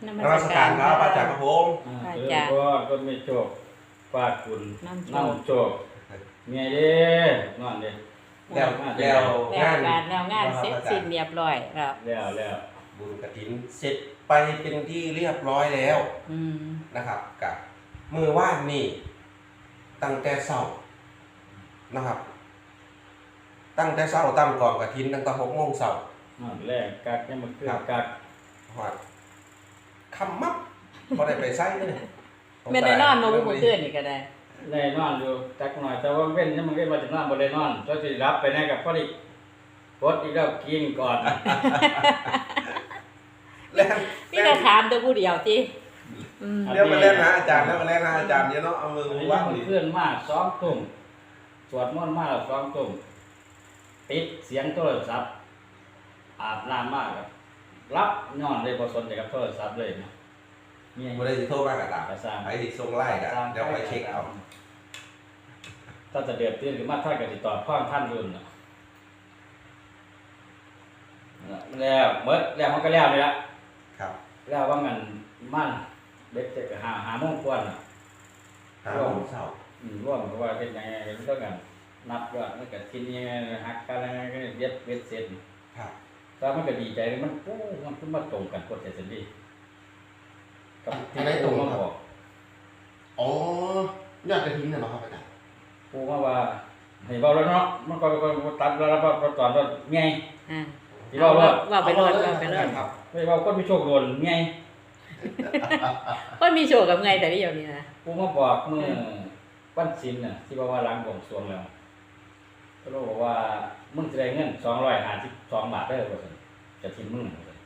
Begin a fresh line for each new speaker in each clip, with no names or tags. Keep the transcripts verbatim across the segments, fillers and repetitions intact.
น
น
มั
มั
ส
ส
กา
การ
ร
ครับอาจารย์ครับผม
อา
เออ
จารย์
ก็ก็ไม่โชคฟาดคุณ
น้ำโชค
น้ำโชคเมียเด้นอนเด้
แล้ว
มา
แล้ว
แล้ว
งาน
การแล้วงานเสร็จสิ้นเรียบร้อยแล้ว
แล้วแล้ว
บุญกฐินเสร็จไปเป็นที่เรียบร้อยแล้ว
อืม
นะครับกับมือว่านนี่ตั้งแต่เช้านะครับ ตั้งแต่เช้าตั้งกองกฐินตั้งแต่หกโมงเช้าน
อนแรกกักยังมาขึ้นกัก
หอดคำมับพอได้ไปไส้เลย
แม่ได้นอนมาบุกเตือนนี่ก็ได้
ได้นอนอยู่จักหน่อยแต่ว่าเว้นยังมันเว้นมาจะนอนบ่ได้นอนก็สิรับไปแน่กับพอดีกดอีกแล้วกินก่อน
แล้ว
พี่จะถามตัวผู้เดียวติอืม
เดี๋ยวมาเล่นนะอาจารย์แล้วมาเล่นนะอาจารย์เดี๋ยวเนาะเอามือ
อันนี้
ว่าง
มัน
ดิ
เพื่อนมาสองทุ่มสวดมนต์มาแล้วสองทุ่มปิดเสียงโทรศัพท์อาบน้ำมากครับรับนอนเลยบ่สนใจกับโทรศัพท์เลยนะเนี่ย
บ่ได้สิโทรมากระตาม
กระซ่าง
ไอ้สิส่งไล่กันเดี๋ยวไปเช็คเอา
ถ้าจะเดือดตื่นหรือมาท่านก็ติดต่อพ่อท่านรุ่นน่ะแล้วเมื่อแล้วมันก็แล้วนี่ละ
ครับ
แล้วว่ามันมันเด็กจะหาหาโมงกวนอ่ะ
หาโมงเช้า
อืมร่วมกับว่าเป็นยังไงกันต้องกันนับว่ามันก็กินยังไงหักกันยังไงก็เย็บเย็บเสร็จ
ครับ
แต่มันก็ดีใจเลยมันโอ้มันขึ้นมาตรงกันกดใจสิดีกับที่ได้ตรงมาบอก
อ๋อยอดกระถินน่ะเนาะครับอาจารย์
ปูมาว่าให้เบาแล้วเนาะมันก็ก็ตัดแล้วแล้วก็ตอนว่าไง
อ่า
ที่เบาว่า
ว่าไปรอดว่าไปรอด
ครับ
ไม่เบาก็มีโชคโดนไง
ก็มีโชว์กับไงแต่ที่เดียวนี้นะ
ปูมาบอกเมื่อวันศิลป์น่ะที่ว่าว่าล้างบ่งสรวงแล้วก็บอกว่ามึงจะได้เงินสองร้อยห้าสิบสองบาทได้บ่ซั่นจะทิ้งมึงว่าซั่น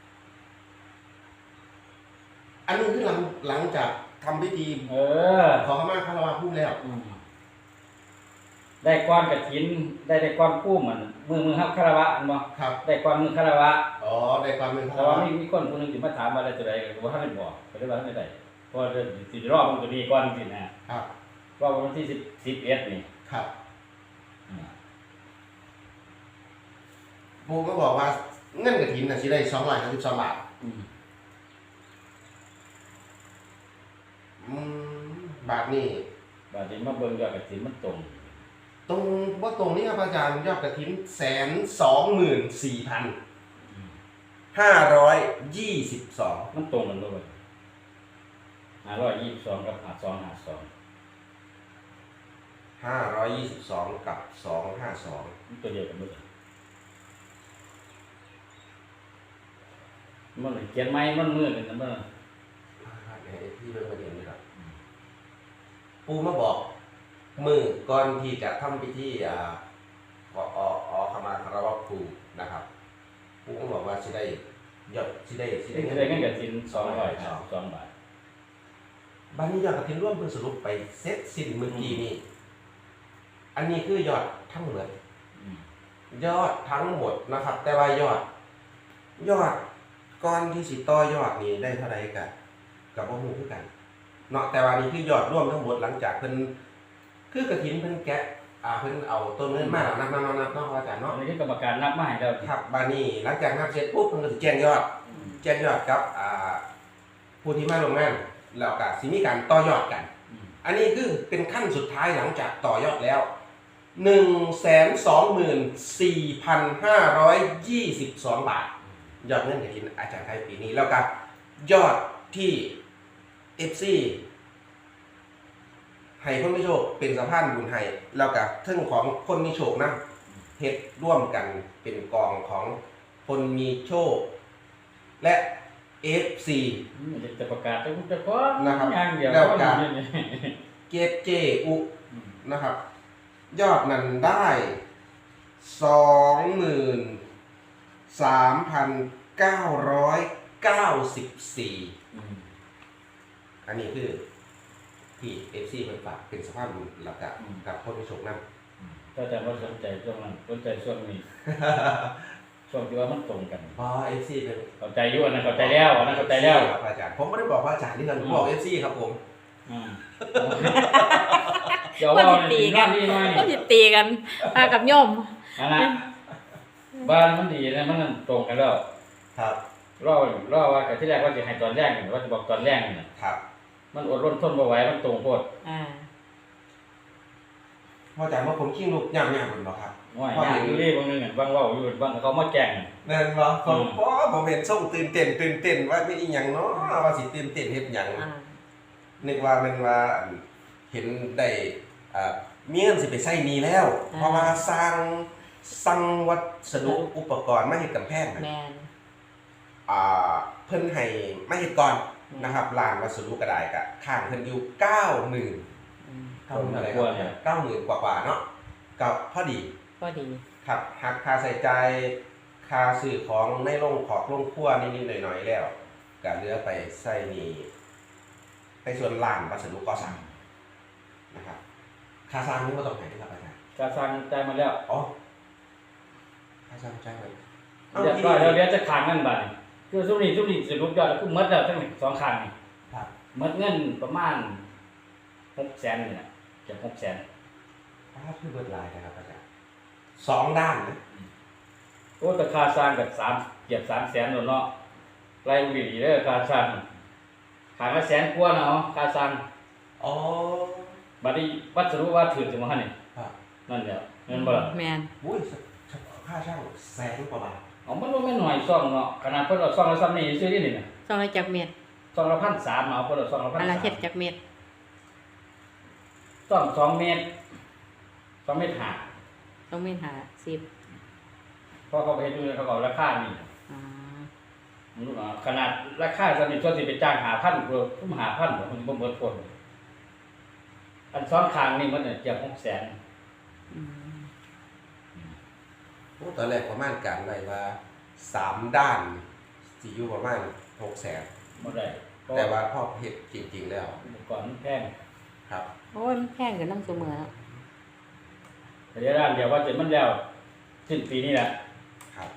อันนี้คือหลังหลังจากทำพิธี
เออ
ขอขมาคารวะพูดแล้ว
อืมได้ก้อนกฐินได้ได้ก้อนกู้เหมือนมือมือครับคารวะอันบ่
ครับ
ได้ก้อนมือคารวะ
อ๋อได้ความเป็นคา
แต่
ร
ว่าว
ะ
มีมีคนคนหนึงสิมาถามว่าได้ตัวใดก็บ่ทันได้บอกก็เลยว่าทันได้ได้เพราะว่าสิรอบมันก็มีก้อนสินะครับ ว่าวันที่สิบ สิบเอ็ดนี่
ครับ
อืม
ปูก็บอกว่าเงินกระถินน่ะสิได้สองร้อยห้าสิบสองบาท
อืม
อืมบาทนี่
บาดนี้มาเบิ่งยอดกฐินมันตรง
ตรงว่าตรงนี้ครับอาจารย์ยอดกระถินแสนสองหมื่นสี่พันห้าร้อยยี่สิบสอง
มันตรงกันเลยห้าร้อยยี่สิบสองกับห้าสองห้าสอง
ห้าร้อยยี่สิบสองกับสองห้าสอง
มันตัวเดียวกันหมดเลยมันเขียนไม้มันมือกันนะมัน
ที่เรื่องประเด็นนี้ครับปูมาบอกมือก่อนที่จะทำพิธีอ่าขอออขมาคารวะครูนะครับปูก็บอกว่าสิได้ยอดสิได้สิได้
ได้ได้เงินกฐินสองร้อยห้าสิบสองบาท
บัดนี้ยอดกฐินร่วมเพิ่นสรุปไปเสร็จสิ้นเมื่อกี้นี้อันนี้คือยอดทั้งหมด
อืม
ยอดทั้งหมดนะครับ แต่ว่ายอด ยอดก้อนที่สิต่อยอดนี้ได้เท่าไหร่กันกับบ่ฮู้คือกันเนาะแต่ว่านี่คือยอดรวมทั้งหมดหลังจากเพิ่นคือกฐินเพิ่นแกะอ่าเพิ่นเอาต้นเงินมานับนับนับนับเนาะอาจารย์
อั
เนาะ
นนี้คือกรรมการนับมาให้เรา
ครับบาดนี้หลังจากนับเสร็จปุ๊บเพิ่นก็สิแจ้งยอด แจ้งยอดกับอ่าผู้ที่มาลงงานแล้วก็สิมีการต่อยอดกัน
อืม
อันนี้คือเป็นขั้นสุดท้ายหลังจากต่อยอดแล้ว หนึ่งแสนสองหมื่นสี่พันห้าร้อยยี่สิบสอง บาท ยอดเงินกฐินอาจารย์ไทยปีนี้แล้วก็ยอดที่ เอฟ ซี ให้คนมีโชคเป็นสะพานบุญให้แล้วก็เทิงของคนมีโชคนะเฮ็ดร่วมกันเป็นกองของคนมีโชค และ เอฟ ซี
อืมจะประกาศจะจะขอ
นะครับ
อย่างเดียว
แล้วก็
นี่นี่
เกตเจอุ
อืม
นะครับ ยอดนั้นได้สองหมื่นสามพันเก้าร้อยเก้าสิบสี่
อืม
อันนี้คือที่ เอฟ ซี เป็นฝากเป็นสภาพบุญแล้วก็กับคนมีโชคนะ
ก็จะว่าสนใจช่วงนั้นสนใจช่วงนี้ ช่วงที่ว่ามันตรงกัน
พอ เอฟ ซี เป็น
เข้าใจอยู่อันนั้นเข้าใจแล้วอันนั้นเข้าใจแล้ว
ครับอาจารย์ผมไม่ได้บอกว่าอาจารย์นี่กันผมบอก เอฟ ซี ครับผม
อืมเดี๋ยว
ก็
ว่า
สิตีกัน
นี่หน่อย
ก็สิตีกันพากับโยม
อันนั้นบ้านมันดีนะมันตรงกันแล้ว
ครับ
พรอรอว่าแต่ที่แรกว่าจะให้ตอนแรกนี่ว่าจะบอกตอนแรกนี่น่ะ
ครับ
มันอดรนทนบ่ไหวมันตรงโพด
อ่า
พออาจารย์ว่าผมขี้ลูกย่างๆมันบ่ครับ
ว่าอย่างอยู่นี่บางนึงอ่ะบางเว้าอยู่บางเขามาแจ้ง
แม่นบ่ผมบ่ผมเห็นส่งตื่นเต้นตื่นเต้นว่ามีอีหยังเนาะว่าสิตื่นเต้นเฮ็ดหยัง
อ่า
นึกว่ามันว่าเห็นได้อ่ามีเงินสิไปใช้หนี้แล้ว เพราะว่าสร้างสั่งวัสดุอุปกรณ์มาเฮ็ดกำแพงน่ะ
แมน
อ่าเพิ่นให้มาเฮ็ดก่อนนะครับร้านวัสดุก็ได้ก็ข้างเพิ่นอยู่ เก้าหมื่น
อืม
เก้าหมื่นอะไรครับเก้าหมื่นกว่าๆเนาะก็พอดี
ก็ดี
ครับหักค่าใช้จ่ายค่าซื้อของในโรงขอกโรงครัวนิดๆหน่อยๆแล้วก็เหลือไปใช้หนี้ในส่วนร้านวัสดุก่อสร้างนะครับค่าสร้างนี่บ่ต้องให้ครับอาจารย์
กาสร้างใจายมาแล้ว
อ๋อค่าสร้างจ่ายไว้
เรียบร้อยแล้วเดี๋ยวจะค้างเงินบัดนี้คือซุมนี้ซุมนี้สรุปยอดแล้วคือหมดแล้วทั้งสองข้างนี่
ครับ
หมดเงินประมาณหกแสนนี่แหละเกือบหกแสน
ถ้าคือเบิดหลายนะครับอาจารย์สองด้านนะ
โอ้แต่ค่าสร้างกับสามเกือบสามแสนแล้วเนาะไล่ดีๆเด้อค่าสร้างขางละแสนกว่าเนาะค่าสร้าง
อ๋อ
บัดนี้วัสดุว่าถือจังว่านี่
ครับ
นั่นแหละเงินบ่ล่ะ
แมน
อุ้ยเฉพาะค่าช่างแสนกว่าบาท
เอามันบ่แม่นหน่อยซ่องเนาะขนาดเพิ่นเอาซ่องละซ้ำนี่ซื้อนี่นี่น่ะ
ซองละจักเม็ด
ซ่องละพันสามเอาเพิ่นเอาซ่องละพัน
อันละ
สาม
เฮ็ดจักเม็ด
ซ่องสองเมตรสองเมตรห้า
ต้องเม็ดหาสิบ
เพราะเขาไปเฮ็ดดูเขาก็เอาราคานี่
อ่า
มันรู้เนาะขนาดราคาสนิทส่วนสิไปจ้างห้าพันกว่าทุ่มห้าพันบ่มันบ่หมดคนอันซ้อนข้างนี่มันเนี่ยเกือบหกแสน
อืม
โอ้ตอนแรกประมาณการไว้ว่าสามด้านสิอยู่ประมาณหกแสน
บ่ได้เพระ
แต่ว่าพอเฮ็ดจริงๆแล้ว
อุปกรณ์มันแพง
ครับ
โอ้ยมันแพงกันนั่งเสมอแล้ว
แต่เดี๋ยวด้านเดียวว่าจะมันแล้วสิ้นปีนี้แหละ
ครับ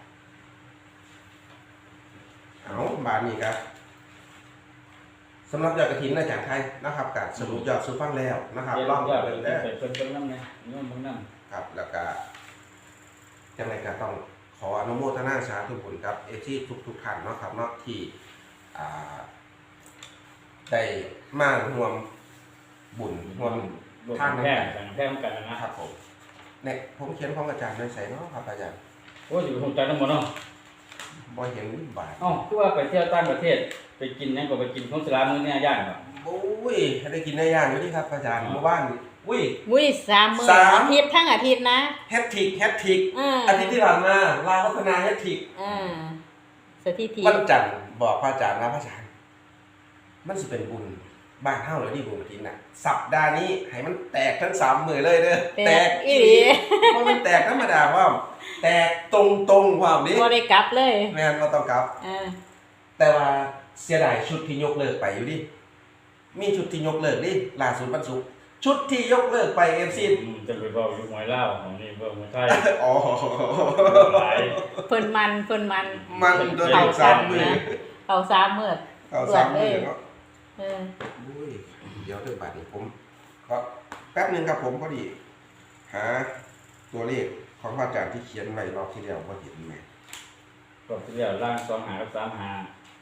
เอาบาทนี้ครับสำหรับยอดกระถินอาจารย์ไทยนะครับการสรุปยอดสู่ฟังแล้วนะครับ
เดี๋ยว
ลอง
ยอด
เบิ่ง
เพิ่
ได้
นเพิ่นเพิ่นนำเนี่ยเงินเบิ่งนำ
ครับแล้วก็จังไรก็ต้องขออนุโมทนาสาธุบุญครับเอที่ทุกทุกๆท่านเนาะครับเนาะที่อ่าได้มาร่วมบุญร่วม
รวม
ทาง
แพ
น้ำ
ง
กัน
กันแพงกันนะ
ครับผมเนี่ยผมเขียนของอาจารย์ไว้ใส่เนาะครับอาจารย์
โอ้ยอยู่คงใจทั้งหมดเนาะ
บ่เห็นบาท
เอ้าคือว่าไปเที่ยวต่างประเทศไปกินหยังก็ไปกินของสลามื้อเนี่ยย่างบ่
โอ้ยได้กินได้ย่างอยู่นี่ครับอาจารย์เมื่อวานอุ้ย
มุ้ยสามมื้อ
สาม
อาทิตย์ทั้งอาทิตย์นะ
แฮตทริกแฮตทริก
อ่า
อาทิตย์ที่ผ่านมาลาวพัฒนาแฮตทริก
อ่าสถิติ
วันจันทร์บอกพระอาจารย์ว่าพระอาจารย์มันสิเป็นบุญบ้านเฮาเลยที่บุญกฐินน่ะสัปดาห์นี้ให้มันแตกทั้งสามมือเลยเด้อ
แตกอีหลี
เพราะมันแตกธรรมดาว่าแตกตรงตรงๆความนี้
บ่ได้กลับเลย
แม่นบ่ต้องกลับ
อ่า
แต่ว่าเสียดายชุดที่ยกเลิกไปอยู่ดิมีชุดที่ยกเลิกดิล่าสุดวันศุกร์ชุดที่ยกเลิกไป เอฟ ซี
อืมจะไปเว้าอยู่หวยลาวของนี่เว้าหวยไทย
อ๋อ
หลาย
เพิ่นมันเพิ่นมัน
มันโดนอีกสามมือ
เอาสามมื้อ
เอาสามมือเนาะ
เออ
อุ้ยเดี๋ยวเรื่องบาทนี้ผมก็แป๊บหนึงครับผมพอดี หาตัวเลขของพระอาจารย์ที่เขียนไว้รอบที่แล้วบ่เห็นแม่
ก็ที่แล้วล่างสองหากับสามหา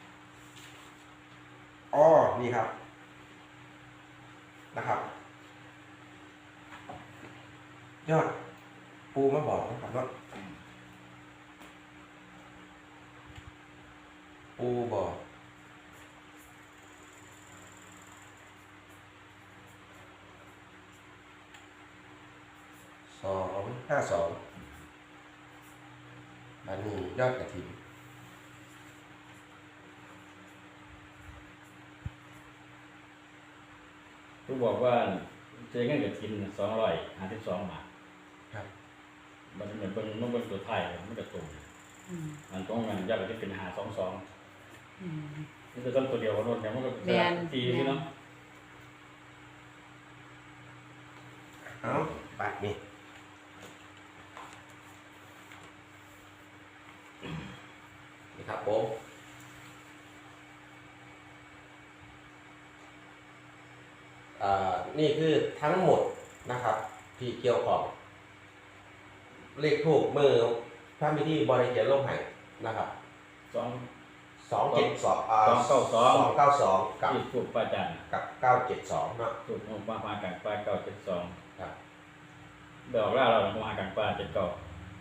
อ๋อนี่ครับนะครับ ยอดปูมาบอกนะครับเนาะปูบอกสองห้าสองอันนี้ยอดกระถิ่น
ผู้บอกว่าเจอเงินกับทินสองร้อยห้าสิบสองบาท
ครับ
มันเหมือนเป็นมันเป็นตัวไทยมันจะตรง
อืม
มันตรงกันยอดจะเป็นหาสองสอง
อืม
นี่จะต้องตัวเดียวกันรถเนี่ยมันก็เป็น
แม่น
ทีใช่เนาะ
เอาบาทนี้นี่ครับผมอ่านี่คือทั้งหมดนะครับ ที่เกี่ยวของเลขถูกมือพระมิธีบริเกียรลงไห้นะครับ
สอง
สองเจ็ดสองอ่า
สองเก้าสอง
สองเก้าสองกับ
ที่ถูกป้าจัน
กับเก้าเจ็ดสองเนาะ
ถูกหัวป้ามากันป้าเก้าเจ็ดสอง
ครับ
เดี๋ยวเราเราหัวมากันป้าเจ็ดเก้า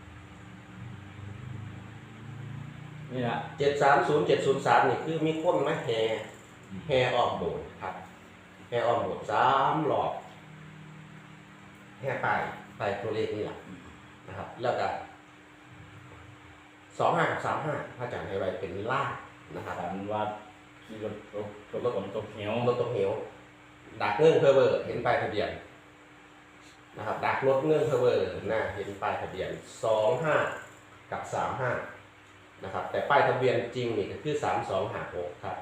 นี่ละ
เจ็ดสามศูนย์เจ็ดศูนย์สามนี่คือมีคนมาแห่แห่ออกโบสถ์ครับแห่ออกโบสถ์สามรอบแห่ไปไปตัวเลขนี่แหละนะครับ แล้วก็สองห้ากับสามห้าพระอาจารย์ให้ไว้เป็นล่างนะครับ
ฝันว่าขี่รถรถรถรถฝนตกเหว
รถตกเหวดักเงื่อนเพอเวอร์เห็นป้ายทะเบียนนะครับดักรถเงื่อนเพอเวอร์หน้าเห็นป้ายทะเบียนสองห้ากับสามห้านะครับ แต่ป้ายทะเบียนจริงนี่ก็คือสามสองห้าหกครับ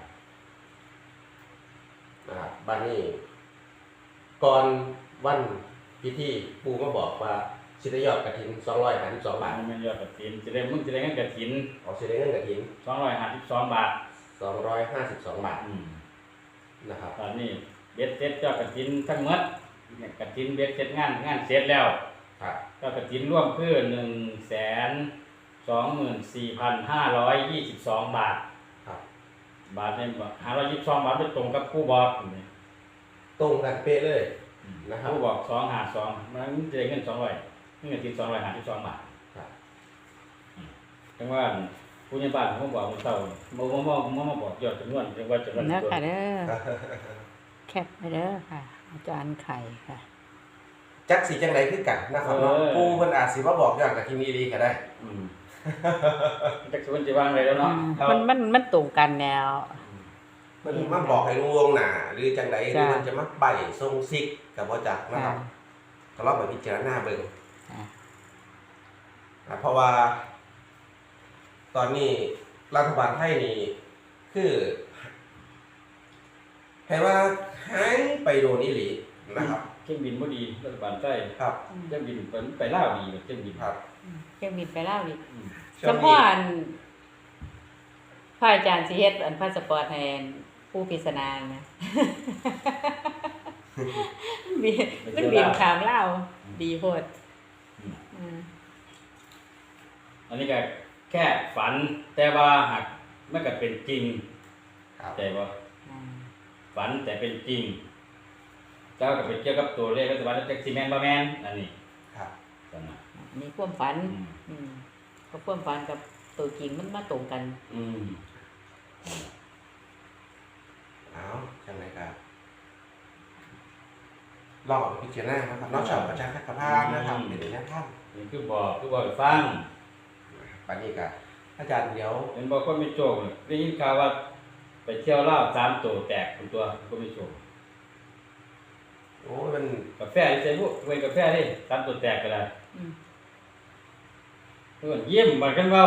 นะครับบ้านนี้ก่อนวันพิธีปูมาบอกว่าสิได้ยอดกระถินสองร้อยห้าสิบสองบาท
มันไม่ยอดกระถินจะได้มึงจะได้เงินกระถิน
ออกสิได้เงินกระถิน
สองร้อยห้าสิบสองบาท
สองร้อยห้าสิบสองบาท
อืม
นะครับ
ตอนนี้เบ็ดเสร็จเจ้ากระถินทั้งหมดเนี่ยกระถินเบ็ดเสร็จงานงานเสร็จแล้ว
ครับ
เจ้ากระถินร่วมคือหนึ่งแสนสองหมื่นสี่พันห้าร้อยยี่สิบสองบาท
ครับ
บาทเนี่ยห้าร้อยยี่สิบสองบาทไปตรงกับผู้บอกนี่
ตรงกันเป๊ะเลยนะครับ
ผู้บอกสองห้าสองมันจะได้เงินสองร้อยเงินกระถินสองร้อยห้าสิบสองบาท
ครับ
จังว่าผู้ใหญ่บ้านเขาบอกมันเศร้ามามามามามาบอกยอดจำนวนจังว่าจำนวน
เนื้อ
ตัว
ค่ะเด้อแคปไปเด้อค่ะ อาจารย์ไข่ค่ะ
จักสีจังไดคือกันนะครับเนาะปูเพิ่นอาจสิมาบอกอย่างกับที่นี่ดีก็ได้
อืมจักสวนจะวางเลยแล้วเนาะ
มันมันมันตรงกันแนว
เพิ่นมาบอกให้รู้ล่วงหน้าหรือจังไดหรือ
จ้ะ
มันจะมาใบทรงซิกก็บ่จักนะค
ค่ะ
รับก็ลองไปพิจารณาเบิ่ง
ค่ะ
อ่ะเพราะว่า ตอนนี้รัฐบาลไทยนี่คือให้ว่าหายไปโดนอีหลีนะครับ
เครื่องบินบ่ดีรัฐบาลใต้
ครับ
เครื่องบินไปไปลาวดีกว่าเครื่องบิน
ครับ
เครื่องบินไปเล่าดิ
อืม
ช่
เฉ
วง
พาะ
นี้
อันพระอาจารย์สิเฮ็ดอันพาสปอร์ตให้ผู้พิศนานะ บินมันบินขามเล่าวดีโพด
อืม
อืม
อันนี้ก็แค่ฝัน แต่ว่าหากมันก็เป็นจริง
ครับ
แต่ว่า
อ่า
ฝันแต่เป็นจริง เจ้าก็ไปเกี่ยวกับตัวเลขรัฐบาลจักสิแม่นบ่แม่นอันนี้
ครับ
กันนะ
อันนี้ความฝัน
อืม
อืมก็ความฝันกับตัวจริงมันมาตรงกัน
อืม
เอาจังไดครับลองเอาไปพิจารณานะครับนอกจากประชาธิปไตยนะครับเป็นแนวทาง
นี่คือบอกคือบอกให้ฟัง
ปันนี้ก็อาจารย์เดี๋ยว
เห็นบอกคนมีโชคเนี่ยได้ยินข่าวว่าไปเที่ยวลาวสามตัวแตกเป็นตัวคนมีโชค
โอ้ยมัน
กาแฟที่ใส่พวกเว้นกาแฟดิสามตัวแตกก็ได้
อืม
เพื่อนเยี่ยมบัดกันเว้า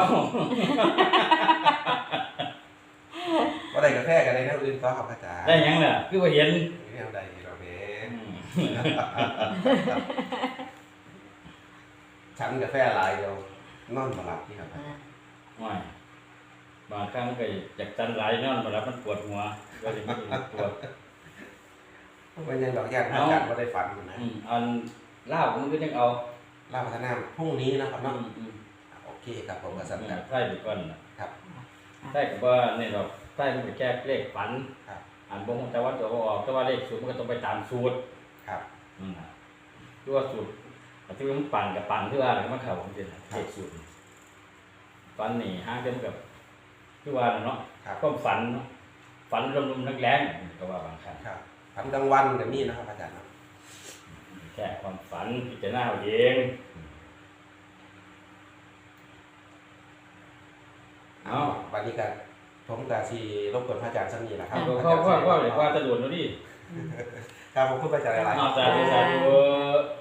ว่าได้กาแฟกันในแนวอื่นก็ครับอาจารย์
ได้หยังล่ะคือว่าเห็น
แนวใดเราเนี้
อืม
ฉันกาแฟหลายเดียวนอนมาหลับที่ครับ
อ่า
ว่าบางครั้งก็อยากจันหลายนอนมาแล้วมันปวดหัวก็เลยไม่รู้ปวด
วันยังดอกยานอาจารย์ก็ได้ฝันอยู่นะ
อืมอันลาวมันก็ยังเอา
ลาพัฒนาพรุ่งนี้นะครับ
อื
เนาะ
มอืม
โอเคครับผมก็สำ
อื
คัญ
มใช่ไปก่อนน่ะ
ครับ
ใช่กับว่าเนี่ยเราใช่มันไปแก้เลขฝัน
ครับ
อ่านบ่ฮู้แต่ว่าตัวบ่ออกแต่ว่าเลขสูตรมันก็ต้องไปตามสูตร
ครับ
อืมคือว่าสูตรแต่ที่มันปั่นกับปั่นที่ว่าอะไรมันเข้าของจริงเลขสูตรฝันนี่ห้างเดียวกับคือว่าน่ะเนาะ
ครับ
ความฝันเนาะฝันลมๆแรงๆก็ว่าบางครั้ง
ครับฝันกลางวันกับนี่นะครับอาจารย์เนาะ
แค่ความฝันพิจารณาเอาเอง
เอาวันนี้กันผมกับสีรบกวนพระอาจารย์สักนิดนะครับ
ก็ก็ก็ก็เลยว่าตะโดนเนาะดิ
ครับผมพูดไปจากหลายๆ
อ้าวสาธุสาธุ